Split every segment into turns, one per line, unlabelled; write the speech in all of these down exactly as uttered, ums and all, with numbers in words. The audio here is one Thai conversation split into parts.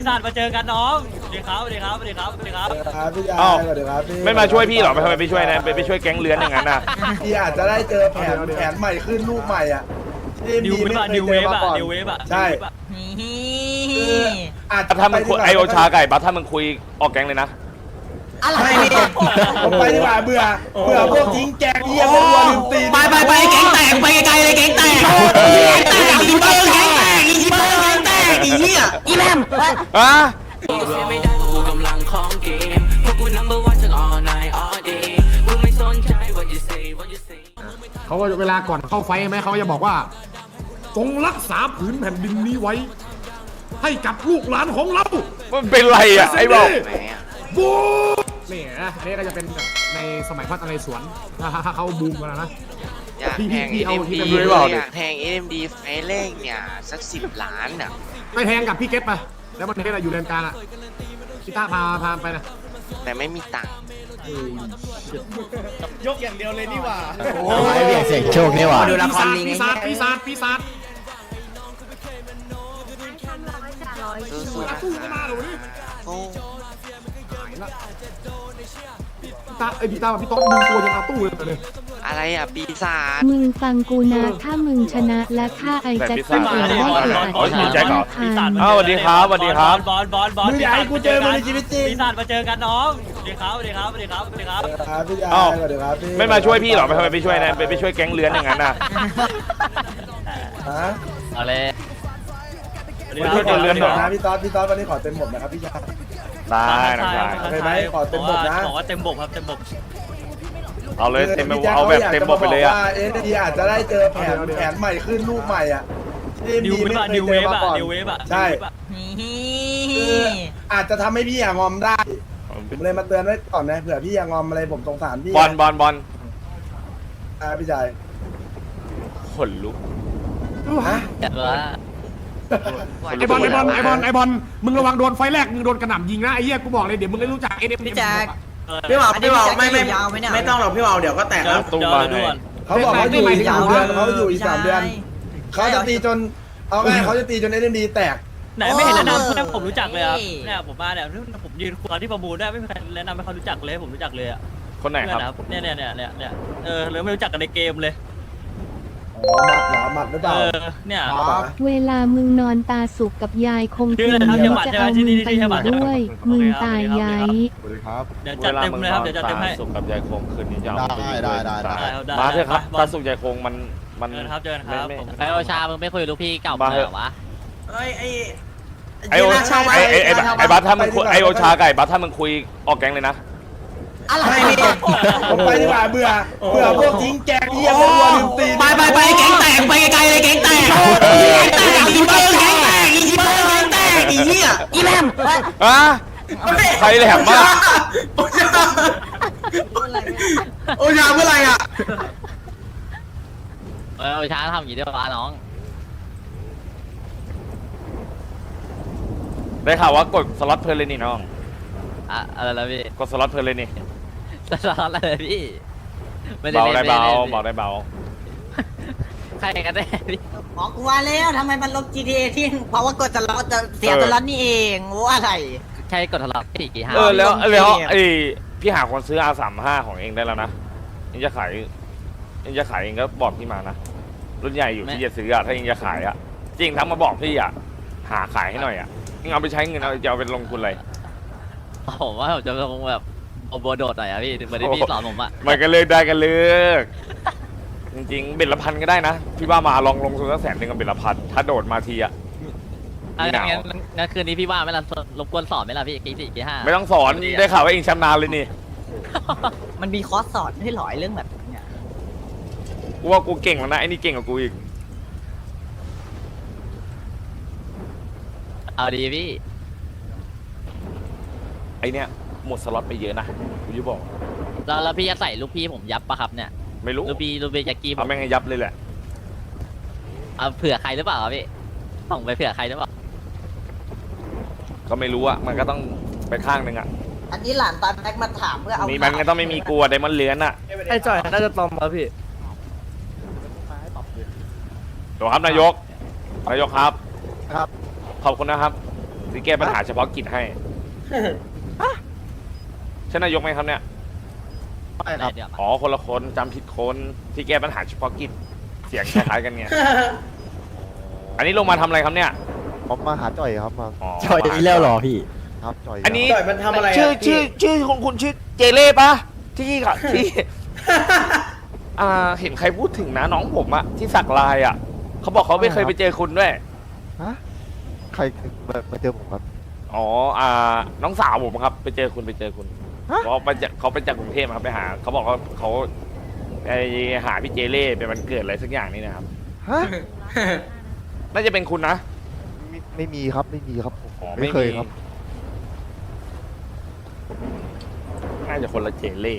ศาสตร์มาเจอกันน้องสวัสดีครับสวัสดีครับสวัสดีครับสวัสดีครับ
ครับพี่ยา
อ้าว
สวัสดีครับพี่
ไม่มาช่วยพี่หรอไม่ทำไมไปช่วยนะไปไปช่วยแก๊งเลื้อนอย่างนั้นน่ะ
พี่อาจจะได้เจอแผนแผนใหม่ขึ้นลูกใหม่อ่ะที่
นิว
ไม่
เวฟอะ
เค
นิ
ยว เจ
เว
อ
ฟ
มา
อะ
ก่อน
นิวเวฟอะ
ใช่
นิวเวฟอะ
อาจจะ
ถ้ามึงคุยไอโอชา
ไก่
ไก่บัสถ้ามึงคุยออกแก๊งเลยนะ
อะไร
ผมไปดีกว่าเบื่อเบื่อพวกทิ้งแกงเยี่ยมไปวัวลืมตีน
ไปไปไปแก๊งแตกไปไกลๆเลยแก๊งแตกแก๊งแตกอีเบอร์แก๊งแตกอีเบอร์แก๊งแตกอีเหี้ยอีแมม
อ่ะ
ไม่ได้เพราะกูกำลังของเกมเพราะกู number one ทั้ง all night all day กูไม่สนใจ what you say what you say
เขาก็เวลาก่อนเข้าไฟใช่ไหมเขาจะบอกว่าจงรักษาผืนแผ่นดินนี้ไว้ ให้กับลูกหลานของเรา
มันเป็นไรอ่ะไอ้บอก
บูนี่นะอันนี้ก็จะเป็นแบบในสมัยพระนเรศวรถ้าเขาบูมกันนะ
อยาก
พี่
แทง
พี่
เอ็
เอา
ม
ที่
ดี
เป็น
อยากแทงเอ็มดีไฟเลขเนี่ยสักสิบล้านอ่ะ
ไปแทงกับพี่เก็ตไปแล้วมันเก็ตอยู่แดนกลางอ่ะพี่ต้าพาพาไปนะ
แต่ไม่มีตังค์
ยกอย่างเดียวเลยนี่หว่า
โอ้ยเบียดเสียงโชคนี่หว่าดูละครลิง
ปีศาจปีศาจปีศาจ
สู้ๆนะ
ตู้เข้ามาเดี๋ยวนี้
โอ้
พี่ต้าไอพี่ต้าพี่ต๊อกดึงตัวยังเอาตู้เลย
อะไรอ่ะปีศาจ
มึงฟังกูนะถ้ามึงชนะและฆ่าไอแจ็คสันเองได้ขาย
ปีศาจ
พัน
อ้าวสวัสดีครับสวัสดีครับ
บอลบอลบอล
มึงอยากให้กูเจอมึงในชีวิตจริง
ปีศาจมาเจอกันน้องสวัสดีครับสวัสดีครับสวัสดีครับสวัสดีครับ
ครับพี่ยา
อ้าว
สวัสดีครับพี่
ไม่มาช่วยพี่หรอไม่ทำไมไปช่วยนะไปไปช่วยแก๊งเลื้อนอย่างนั้นน่ะ
ฮะ
เอาเลยสวัสดี
ไม่
ค
ช่วยกันเลื่อนหรอ
นะพี่ต๊อดพี่ต๊อดวันนี้ขอเต็มหมดนะครับพี่ยา
ได้นะได้
โอเคไหมขอเต็มบทนะ
บอกว่าเต็มบกครับเต็มบก
เอาเลยเต็มเอาแบบเต็มบทไปเลยอ่ะ
เอ็นดีอาจจะได้เจอแผนแผนใหม่ขึ้นลูกใหม่อ่ะที่
นิวเวฟอะ
ไม่
นิว
เค
เวย ฟ
เจอมา
อะ
ก่อน
นิวเวฟอะ
ใช่ คืออาจจะทำให้พี่อย่างอมได้ผมเลยมาเตือนไว้ก่อนนะเผื่อพี่อย่างอมอะไรผมสงสารพี่
บอลบอลบอล
อ่าพี่ชาย
ขนลุก
ฮะ
ไอบอลไอบอลไอบอลไอบอลมึงระวังโดนไฟแรกมึงโดนกระหน่ำยิงนะไอ้เหี้ยกูบอกเลยเดี๋ยวมึงได้รู้จักเอ็นเอ็ม
พี่แจ๊ค
พี่บ่าวพี่บ่าวไม่ไม่
ยาวไหมเนี่ย
ไม่ต้องหรอกพี่บ่าวเดี๋ยวก็แตก
เดี๋ย
แล้ว ว
ตู้
เดี๋ยว
มา
เดี๋ยว
ให้
ด่วน
เขาบอกเขาอยู่อีกสามเดือนเขาอยู่อีกสามเดือน เขาจะตีจนเอาไงเขาจะตีจนเอ็นดีแตก
ไหนไม่เห็นแนะนำเพื่อนผมรู้จักเลยครับเนี่ยผมมาเนี่ยผมยืนคุยที่ประมูลได้ไม่มีใครแนะนำให้เขารู้จักเลยผมรู้จักเลยอะ
คนไหนครับ
เนี่ยเนี่ยเนี่ยเนี่ยเนี่ยเออเลยไม่รู้จักกันในเกมเลย
อ๋อหมัดเหรอหมัดหรือเป
เอ
ล่า
อเนี่ย
อ๋อ
เวลามึงนอนตาสุกกับยายคง
ชื่
คื
อน อะไรครับ
เดี๋ยว
ชื่อ
จะ
บัตร
เอา
ใช่ไหม
มึงไป
ชื่
อ
อบัตร
ยู่ด้วย มึงตายยาย
เดี๋ยวจัดเต็มเลยครับเดี๋ยวจัดเต็มให้
สุกกับยายคงคืนนี้จะเอา
ได้ได้ได้ได้
ได้
มาเถอะครับ
ได้
ตาสุกยายคงมันมัน
เจอครับเจอครับ
ไม่
ผม
ไม่
ไอโอชามึงไม่คุยลูกพี่เก่า
มา
เห
เถ
ร
อะ
อวะ
เอ้ยไอ้
ไอโอชาไอไอไอไอบัสถ้ามึงคุยไอโอชาไก่บัสถ้ามึงคุยออกแก๊งเลยนะ
อะไร
ผมไปดีกว่าเบื่อเบื่อพวกทิ้งแกงเยี่ยมไปวัวลืมตีน
ไปไปไปแก๊งแตกไปไกลๆเลยแก๊งแตกแก๊งแตกอีเบอร์แก๊งแตกอีเบอร์แก๊งแตกอีเหี้ยอีแมม
อ่ะใครแหลมมาก
โอชาโอชาเมื่อไหร่อ่ะ
เออโอชาทำอย่างนี้ด้วยวะน้อง
ได้ข่าวว่ากดสล็อตเพลินเลยนี่น้อง
อะอะไรแล้วพี่
กดสล็อตเพลินเลยนี่
จะร้อนอะไรพี่ไม่ได้
เบา
เล่น
ได้
ไม่
เบา
ได้เล่น
เบาได้เบา
ใครกันแน่พี่
อ๋อกูว่าแล้วทำไมมันลบ จี ที เอ ที่เพราะว่ากดจะล็อตจะเสียตัวล็อตนี่เองว่าอะไร
ใช่กดทะเลาะพี่กี่ห้า
เออแล้ว
ลงเกม
แล้วไอพี่หาคนซื้อ อาร์ สามห้า ของเองได้แล้วนะเองจะขายเองจะขายเองก็บอกพี่มานะรุ่นใหญ่อยู่ที่จะซื้ออะถ้าเองจะขายอะจริงทั้งมาบอกพี่อะหาขายให้หน่อยอะเองเอาไปใช้เงินเอาจะเอาไปลงทุนอะไร
ผมว่าผมจะลงแบบโอโบโดดหน่อยอะพี่เหมือนที่พี่สอนผมอะ
มันก็เลิกได้กันเลิกจริงๆเบ็ดละพันก็ได้นะพี่ว่ามาลองลงทุนสักแสนหนึ่งกับเบ็ดละพันถ้าโดดมาทีอะ
อ่ะ
มีหนาว
งั้นงั้นคืนนี้พี่ว่าไหม่ละรบกวนสอนไหมล่ะพี่กี่สี่กี่ห้า
ไม่ต้องสอนได้ข่าวว่าเองชำนาญเลยนี่
มันมีคอร์สสอนให้หลอยเรื่องแบบเนี้ย
กูว่ากูเก่งแล้วนะไอ้นี่เก่งกว่ากูอีก
เอาดีพี่
ไอเนี้ยหมดสล็อตไปเยอะนะกูจะบอก
แล้วแล้วพี่จะใส่ลูกพี่ผมยับปะครับเนี่ย
ไม่รู้
ลูกพี่ลูกพี่แจ็คกี้ผ
เอา
ม
แม่งให้ยับเลยแหละ
เอาเผื่อใครหรือเปล่าครับพี่ส่งไปเผื่อใครหรือเปล่า
ก็ไม่รู้อะมันก็ต้องไปข้างหนึ่งอะ
อันนี้หลานตาแม็กมาถามเพื่อเอา
มีมันก็ต้องไม่มีกลัวไดมอนด์เลื้อนอะ
ไอ้จ่อยน่าจะตอมมาพี่
ตัวครับนายกนายกครับ
ครับ
ขอบคุณนะครับที่แก้ปัญหาเฉพาะกิจให้ใช่นายกไหมครับเนี่ย
ไม่ครับ
อ๋อคนละคนจำผิดคนที่แก้ปัญหาเฉพาะกิจเสียงคล้ายๆกันไงอันนี้ลงมาทำอะไรครับเนี่ย
ผมมาหาจ่อยครับมา
จ่อยอีแล้วหรอพี่
ครับจ่อย
อันนี้
จ่อยมันทำอะไร
ชื่อชื่อชื่อคุณคุณชื่อเจเล่ปะที่ค่ะที่ อ่าเห็นใครพูดถึงนะน้องผมอะที่สักลายอะเขาบอกเขาไม่เคยไปเจอคุณด้วย
ฮะใครมามาเจอผมครับ
อ๋ออ่าน้องสาวผมครับ ไปเจอคุณไปเจอคุณเขาไปจากเขาไปจากกรุงเทพครับไปหาเขาบอกเขาเขาไปหาพี่เจเล่เป็นวันเกิดอะไรสักอย่างนี่นะครับ
ฮะ
น่าจะเป็นคุณนะ
ไม่ไม่มีครับไม่มีครับผม
อ๋อ
ไม่เคย
ไม่มี
ครับ
น่าจะคนละเจเล่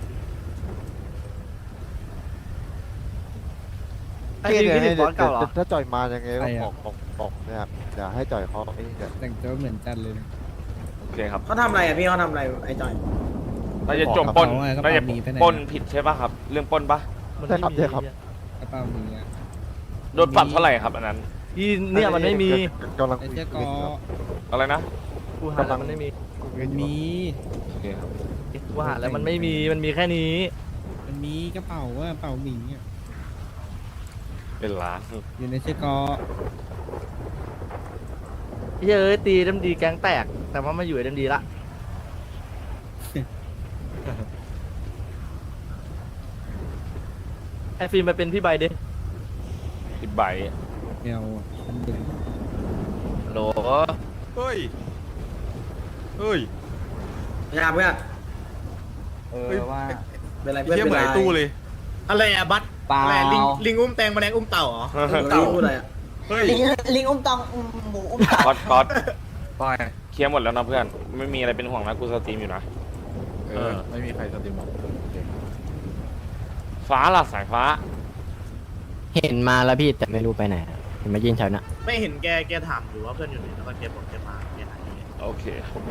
ไอ้นี่พี่ถึงบอสเก่าเหรอ
ถ้าจ่อยมายังไงก็บอกบอกบอกนะครับเดี๋ยวให้จ่อยเขาไอ้นี่เดี๋ยว
แต่งตัวเหมือนกันเลย
โอเคครับ
เขาทำอะไรอ่ะพี่เขาทำอะไรไอ้จอย
น่าจะจมปล้น
กระเป๋าอะกระ
น่า
เป๋า
จะ
หนีไปไหน
ปล้นผิดใช่ป่ะครับ เรื่องปล้นปะ
ใช่ครับใช่ครับ
กระเป๋าหมีอะ
โดนปรับเท่าไหร่ครับอันนั้น
อีเนี่ยมันไม่มี
กำลัง
ไอ้
คุย
เจ้า
คุ
ก
ย
อ
ครับ
อะไรนะ
กูหาแล้วมันไม่มี
คุย
มัน
อยู่
มี
โอเคครับ
กูหาแล้วมันไม่มีมันมีแค่นี้
มันมีกระเป๋าว่ากระเป๋าหมีอะ
เป็นล้าน
อยู่ในเจ้ากอ
เฮ้ยตีเอ็มดีแก๊งแตก แต่ว่ามาอยู่เอ็มดีละ ไอฟิล์มไปเป็นพี่ใบดิ
สิบใบ
แมวอะมันเดือด
โหล
เฮ้ยเฮ้ย
พยายามเพื่อน
เออว่า
เป็นไรเพื่อนเป็นไรตู้เลย
อะไรอะบัต
เปล่า
ลิงลิงอุ้มแตงแมลงอุ้มเต่าเหรอ
เต่าพูดอะไรอ่ะ
ลิงลิงอุ้มตองอุ้มหมูอุ้มเต่า
ก๊อตก๊อตเคลียร์หมดแล้วนะเพื่อน ไม่มีอะไรเป็นห่วงนะกูสตรีมอยู่นะ
เออไม่มีใครสตรีมหรอก
ฟ้าล่ะสายฟ้า
เห็นมาแล้วพี่แต่ไม่รู้ไปไหนเห็นมายืนแถวน่ะ
ไม่เห็นแกแกถามอยู่ว่าเพื่อนอยู่ไหนแล้วก็แกบอกแกมาแกหาย
โอเค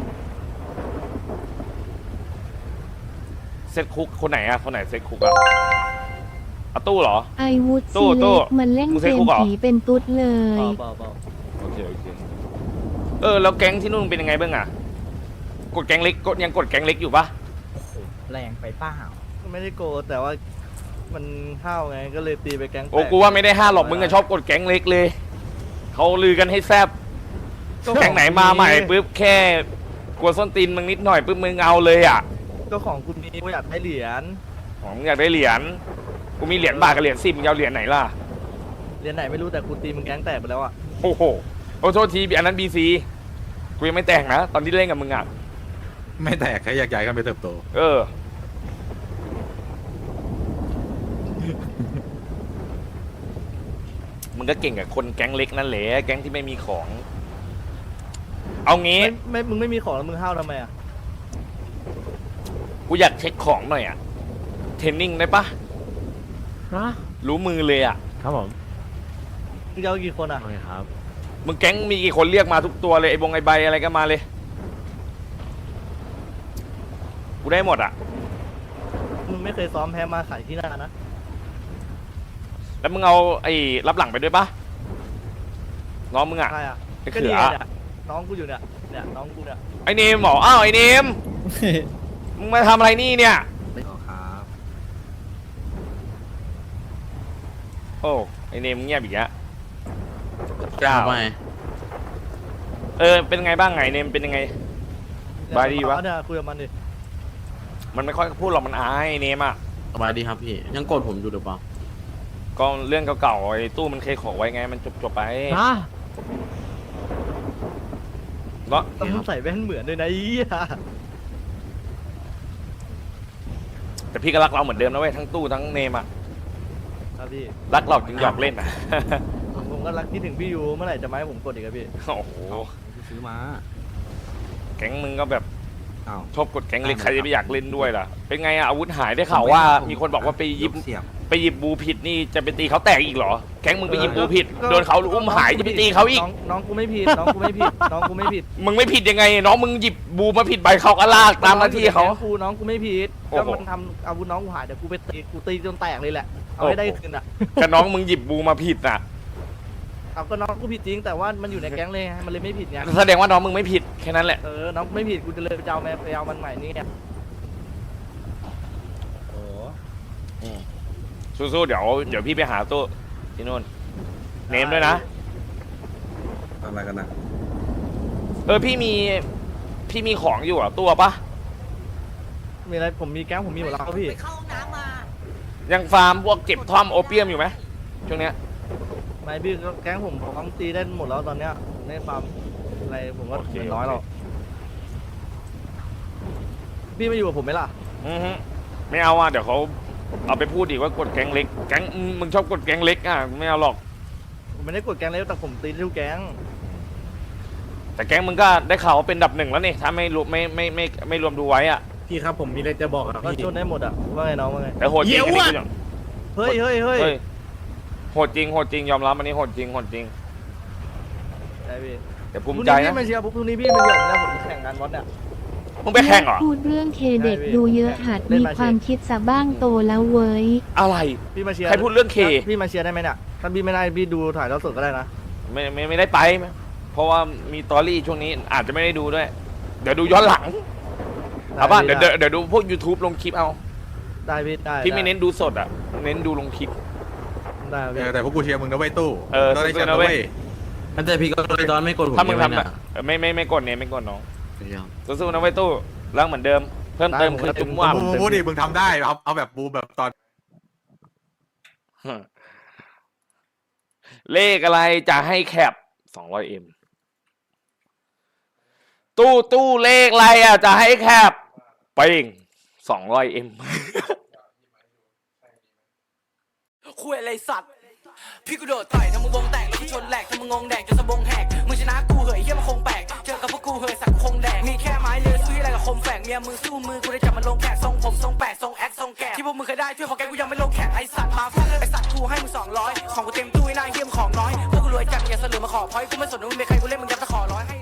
เซตคุกคนไหนอะคนไหนเซตคุกอะอะตู้เหรอ
ไอวูด
ตู้
ซี
ตู้
เล็กมันเล่น
มึง
เก
เซ็ต
ม
คุกเหรอ
ผีเป็นตุ๊ดเลย
เปล่าเปล่า
โอเคโอเคเออแล้วแก๊งที่นู่นเป็นยังไงบ้างอะกดแก๊งเล็กกดยังกดแก๊งเล็กอยู่ปะ
แรงไปเปล่า
ไม่ได้โกรธแต่ว่ามันห้าวไงก็เลยตีไปแก๊งแตก
โอ้กูว่าไม่ได้ห้าหรอกมึงก็ชอบกดแก๊งเล็กเลยเขาลือกันให้แซบแก๊งไหนมาใหม่ปุ๊บแค่กลัวส้นตีนมึงนิดหน่อยปุ๊บมึงเอาเลยอะ
ก็ของคุณมีกูอยากได้เหรียญ
อ๋อมึงอยากได้เหรียญกูมีเหรียญบาทกับเหรียญสิบมึงจะเอาเหรียญไหนล่ะ
เหรียญไหนไม่รู้แต่กูตีมึงแก๊งแตกไปแล้วอะ
โอ้โหโอ้โทษทีอันนั้นบีซีกูยังไม่แต่งนะตอนที่เล่นกับมึงอะ
ไม่แตกแค่อยากย้ายกันไปเติบโต
เออ มึงก็เก่งกับคนแก๊งเล็กนั่นแหละแก๊งที่ไม่มีของ เอางี้
ไม่ไม่มึงไม่มีของแล้วมึงห้าวทำไมอะ
กูอยากเช็คของหน่อยอะเทรนนิ่งได้ปะรู้มือเลยอะ
ครับผม
มึงจะเอากี่คนอะ
โอเคครับ
มึงแก๊งมีกี่คนเรียกมาทุกตัวเลยไอ้บงไอ้ใบอะไรก็มาเลย กูได้หมดอะ
มึงไม่เคยซ้อมแพ้มาขายที่หน้านะ
แล้วมึงเอาไอ้รับหลังไปด้วยปะน้องมึงอะ
ใครอะ
ไอ้
ก็
เขื
นี่
อ
ไงเนี่ยน้องกูอยู่เนี่ยเนี่ยน้องกูเนี่ย
ไอ้เนมเหรออ้าวไอ้เนม มึงมาทำอะไรนี่เนี่ย
ครับ
โอ้ไอ้เนมเงียบอีกแล้วเจ้าเออเป็นไงบ้างไงเนมเป็นยังไง บายดีวะ
เนี่ยคุยกับมันดิ
มันไม่ค่อยพูดหรอกมันอายไอ้เนมอ่ะ
สบายดีครับพี่ยังโกรธผมอยู่หรือเปล่า
ก็เรื่องเก่าๆไอ้ตู้มันเคยขอไว้ไงมันจบๆไปเนาะ
ต้องใส่แว่นเหมือนด้วยนะอีอะ
แต่พี่ก็รักเราเหมือนเดิมนะเว้ยทั้งตู้ทั้งเนมอ่ะ
ครับพี่
รักเราจึงหยอกเล่นอ่ะ
ผมก็รักคิดถึงพี่ยูเมื่อไหร่จะมาให้ผมกดอีกครับพี่
โอ้โห
ซื้อมา
แก๊งมึงก็แบบ
อ้าว
ชอบกดแก๊งเล็กใครจะไปอยากเล่นด้วยล่ะเป็นไงอะอาวุธหายได้ข่าวว่ามีคนบอกว่าไปหยิบ
เสียบ
ไปหยิบบูผิดนี่จะไปตีเขาแตกอีกเหรอ แก๊งมึงไปหยิบบูผิดโดนเขาอุ้มหายจะไปตีเขาอีก
น้องน้องกูไม่ผิดน้องกูไม่ผิดน้องกูไม่ผิด
มึงไม่ผิดยังไง น้องมึงหยิบบูมาผิดใบเขาก็ลากตามหน้าที่เขา
น้องกูน้องกูไม่ผิด
โอ้
ก็
โห
มันทำอาวุธน้องกูหายเดี๋ยวกูไปตีกูตีจนแตกเลยแหละเอาให้ได้คืนอ่ะ
ก็น้องมึงหยิบบูมาผิดน่ะ
เอาก็น้องกูผิดจริงแต่ว่ามันอยู่ในแก๊งเลยไงมันเลยไม่ผิดไง
แสดงว่าน้องมึงไม่ผิดแค่นั้นแหละ
เออน้องไม่ผิดกูจะเลยไปเอาแม่ไปเอามันใหม่นี่ไง
สู้ๆเดี๋ยวเดี๋ยวพี่ไปหาตู้ที่นู่นเนมด้วยนะ
อะไรกันนะ
เออพี่มีพี่มีของอยู่อ่ะตัวปะ
มีอะไรผมมีแก๊งผมมีหมดแล้วพี่
ไปเข้าห้องน้ำมา
ยังฟาร์มพวกเก็บท่อมโอเปียมอยู่ไหมช่วงเนี้ย
ไม่พี่แก๊งผมผมตีได้หมดแล้วตอนเนี้ยในฟาร์มอะไรผมก็เหลือน้อยหรอกพี่มาอยู่กับผมไหมล่ะ
อือฮึไม่เอาอ่ะเดี๋ยวเขาเอาไปพูดอีกว่ากดแก๊งเล็กแก๊งมึงชอบกดแก๊งเล็กอ่ะไม่เอาหรอก
ผมไม่ได้กดแก๊งเลยแต่ผมตีได้ทุกแก๊ง
แต่แก๊งมึงก็ได้ข่าวว่าเป็นอันดับหนึ่งแล้วนี่ถ้าไม่รวมไม่ไม่ไม่ไม่รวมดูไว้อ่ะ
พี่ครับผมมีอะไรจะบอกครับ
ก็
พี่
ชนได้หมดอะว่าไงน้องว่าไง
แต่โหดจริงอันนี้กูยอม
เฮ้ยเฮ้ยเฮ้ย
เฮ้ยโหดจริงโหดจริงยอมรับอันนี้โหดจริงโหดจริง
ใช่พี่
แต่ภู
พรุ่
มิ
ง
ใจ
นี้
นะ
พี่มาเชียร์พรุ่งนี้พี่มาเชียร์ผมนะผมแข่งงานวัดเนี่ย
มึงไปแข่งเหรอ
พูดเรื่องเคเด็กดูเยอะหัดมีความคิดซะบ้างโตแล้วเว้ย
อะไร
พี่มาเชียร์
ใครพูดเรื่องเค
พี่มาเชียร์ได้ไหมเนี่ยถ้าพี่ไม่ได้พี่ดูถ่ายทอดสดก็ได้นะ
ไม่ไม่ไม่ได้ไป เพราะว่ามีตอรี่ช่วงนี้อาจจะไม่ได้ดูด้วย เดี๋ยวดูย้อนหลังเอาป่ะเดี๋ยวเดี๋ยวเดี๋ยวดูพวก YouTube ลงคลิปเอา
ได้พี่ได้
พี่ไม่เน้นดูสดอ่ะเน้นดูลงคลิป
ได้พี่
แต่พวกกูเชียร์มึงนะเว้ยตู้
เออ
ต้องได้แชมป์
สู้ๆนะ
นะ
เว้
เว้
ย
ย
มันแต่พี่ก็เลยตอนไม่กดผม
ถ้ามึง
ใช่ไห
ทำแบบเออไม่ไม่ไม่กดเนี่ยไม่กดน้องสู้ๆนะไว้ยตู้ร่างเหมือนเดิม เพิ่มเติมคือตุ้มว่า
มึงพูดดิมึงทำได้เอาเอาแบบบูแบบตอน
เลขอะไรจะให้แคปสองร้อยเอ็มตู้ตู้เลขอะไรอ่ะจะให้แคปไปเองสองร้อยเอ็ม
คุยอะไรสัตว์พี่กูโดดต่อยทำมึงวงแตกแล้วกูชนแหลกทำมึงงงแดกจนสะบงแหกมึงชนะกูเหยเยี่ยมคงแปลกเจอกับพวกกูเหยสักคงแดกมีแค่ไม้เลือซื้ออะไรกับคมแฝกเมียมึงสู้มือกูได้จับมันลงแขกทรงผมทรงแปดทรงแอคทรงแกะที่พวกมึงเคยได้ช่วยของแกกูยังไม่ลงแขกไอสัตว์มาฟาดไอสัตว์กูให้มึงสองร้อยของกูเต็มตู้ไอ้นายเยี่ยมของน้อยพวกกูรวยจัดอย่าเสลือมาขอพอยกูไม่สนว่ามึงเป็นใครกูเล่นมึงยับตะขอร้อย